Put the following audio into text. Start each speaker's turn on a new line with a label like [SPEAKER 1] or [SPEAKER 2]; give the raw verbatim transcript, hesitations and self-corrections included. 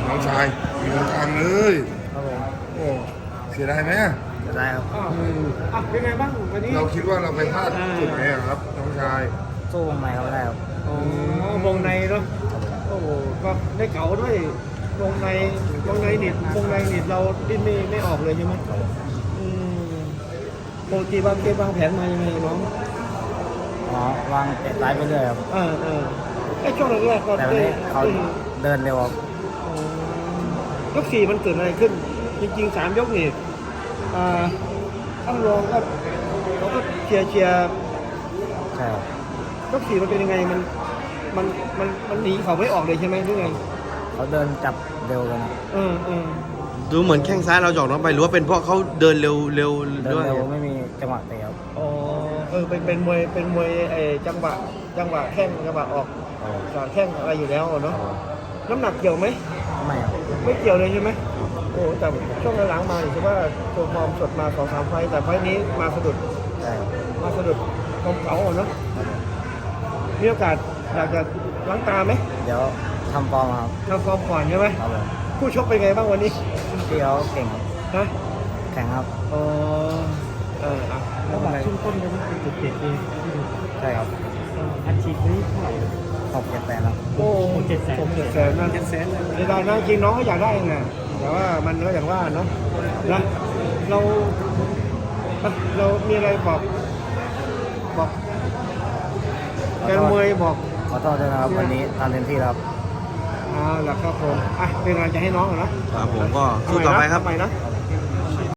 [SPEAKER 1] น้องชายมีตรงกลางเลย
[SPEAKER 2] ครับผม
[SPEAKER 1] โอ้เสียดายไหม
[SPEAKER 2] จะได้ครับ
[SPEAKER 3] อ่ะอ่ะเป็นไงบ้างวันนี้
[SPEAKER 1] เราคิดว่าเราไปพลาดจุดไหนอะครับน้องชาย
[SPEAKER 2] สู้วงในเขาไม่ได้ครับ
[SPEAKER 3] อ๋อวงในเนาะโอ้โหก็ได้เก๋าด้วยวงในวงในนิดวงในนิดเราดิ้นไม่ไม่ออกเลยใช่ไหมอืมปกติวางเกมวางแผนมายังไงน้อง
[SPEAKER 2] อ๋อวางเตะซ้ายไปเรื่อยครับ
[SPEAKER 3] เออเออไอ้ช่วงแรกๆก็
[SPEAKER 2] แต่วัน
[SPEAKER 3] ได้
[SPEAKER 2] นี้เขา
[SPEAKER 3] อืม
[SPEAKER 2] เดินเร็วครับ
[SPEAKER 3] อ๋อยกสี่มันเกิดอะไรขึ้น จริงๆสามยกนี่อ่าต้องรองก็เราก็เชียร์เชียร์
[SPEAKER 2] ใช่ครับ
[SPEAKER 3] ยกสี่มันเป็นยังไงมันมันมันมันหนีเขาไม่ออกเลยใช่ไหมหรือไง
[SPEAKER 2] เขาเดินจับเร็วกันครับ
[SPEAKER 3] เออเออ
[SPEAKER 4] ดูเหมือนแข้งซ้ายเราหยอกน้องไปหรือว่าเป็นเพราะเขาเดินเร็วเร็ว
[SPEAKER 2] เดิน
[SPEAKER 4] ด้วย
[SPEAKER 2] เร็วไม่มีจังหวะเตะครับ
[SPEAKER 3] อ๋อเออเป็นเป็นมวยเป็นมวยไอ้จังหวะจังหวะแข้งจังหวะออก
[SPEAKER 2] เออ
[SPEAKER 3] สอดแข้งอะไรอยู่แล้วอะเนาะน้ำหนักเกี่ยวไหม
[SPEAKER 2] ไม่ครับ
[SPEAKER 3] ไม่เกี่ยวเลยใช่ไหมโอ้แต่ช่วงหลังๆมาถือว่าตัวฟอร์มสดมาสองสามไฟต์แต่ไฟต์นี้มาสะดุด
[SPEAKER 2] ใช่ครับ
[SPEAKER 3] มาสะดุดความเก่าอะเนาะ
[SPEAKER 2] ครับผม
[SPEAKER 3] มีโอกาสอยากจะล้างตาไหม
[SPEAKER 2] เดี๋ยวทำฟอร์มครับ
[SPEAKER 3] ทำฟอร์มก่อนใช่ไหม
[SPEAKER 2] ครับผม
[SPEAKER 3] คู่ชกเป็นไงบ้างวันนี้
[SPEAKER 2] พี่เขาเก่งครับ
[SPEAKER 3] ฮะ
[SPEAKER 2] แข็งครับ
[SPEAKER 3] อ๋อเอออ่ะแล้วแบบช่วงต้นก็มันจุดเด็ดเอง
[SPEAKER 2] ใช่ครับ
[SPEAKER 3] อัดฉีดนี้เท่าไหร่
[SPEAKER 2] หกเจ็ดแปดครับ
[SPEAKER 3] โอ้เจ็ดแสนผมเจ็ดแสนนะเจ็ดแสนในดานนะจริงน้องก็อยากได้ไงแต่ว่ามันก็อย่างว่าเนาะนะเราอ่ะเรามีอะไรบอกบอกแกนมวยบอก
[SPEAKER 2] ขอโทษด้วยนะครับวันนี้ทำเต็มที่แล้วครับ
[SPEAKER 3] อ่าหลักครับผมอ่ะเป็นกำลังใจให้น้องก่อนนะครับ
[SPEAKER 4] ผมก็สู้ต่อไปครับ
[SPEAKER 3] ทำไมนะ
[SPEAKER 2] ครับ